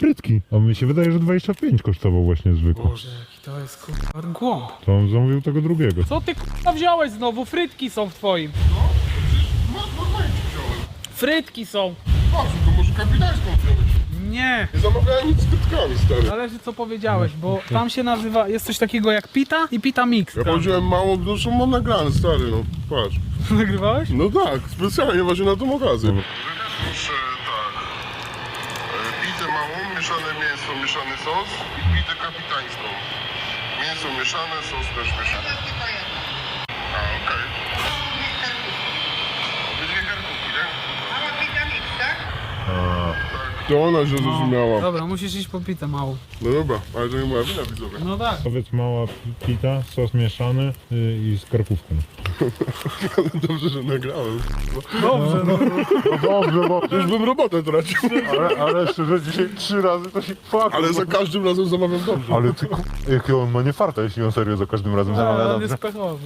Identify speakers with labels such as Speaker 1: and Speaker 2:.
Speaker 1: frytki. A mi się wydaje, że 25 kosztował właśnie zwykły.
Speaker 2: Boże, jaki to jest kurwa głąb.
Speaker 1: To on zamówił tego drugiego.
Speaker 2: Co ty kurwa wziąłeś znowu? Frytki są w twoim.
Speaker 3: No, przecież normalnie wziąłem.
Speaker 2: Frytki są.
Speaker 3: Patrz, to może kapitańską wziąłeś.
Speaker 2: Nie.
Speaker 3: Nie zamawiałem nic z frytkami, stary.
Speaker 2: Zależy co powiedziałeś, bo tam się nazywa, jest coś takiego jak pita i pita mix.
Speaker 3: Ja powiedziałem mało, dużo mam nagrane, stary, no patrz.
Speaker 2: Nagrywałeś?
Speaker 3: No tak, specjalnie właśnie na tą okazję. Proszę tak, pitę małą, mieszane mięso, mieszany sos i pitę kapitańską. Mięso mieszane, sos też mieszany. A, okej. Obydwie karkówki, nie?
Speaker 4: Mała pita mix, tak?
Speaker 3: To ona się zrozumiała.
Speaker 2: Dobra, musisz iść po pitę małą.
Speaker 3: No dobra, ale to nie moja wina, widzowie.
Speaker 2: No tak.
Speaker 1: Powiedz mała pita, sos mieszany i z karkówką.
Speaker 3: Dobrze, że nagrałem.
Speaker 2: Dobrze, no.
Speaker 1: No dobrze, bo...
Speaker 3: Już bym robotę tracił.
Speaker 1: Ale szczerze, dzisiaj 3 razy to się fuck.
Speaker 3: Ale za każdym razem zamawiam dobrze.
Speaker 1: Ale ty jaki on ma nie farta, jeśli on serio za każdym razem zamawia
Speaker 2: Ale on
Speaker 1: dobrze.
Speaker 2: jest pechowy.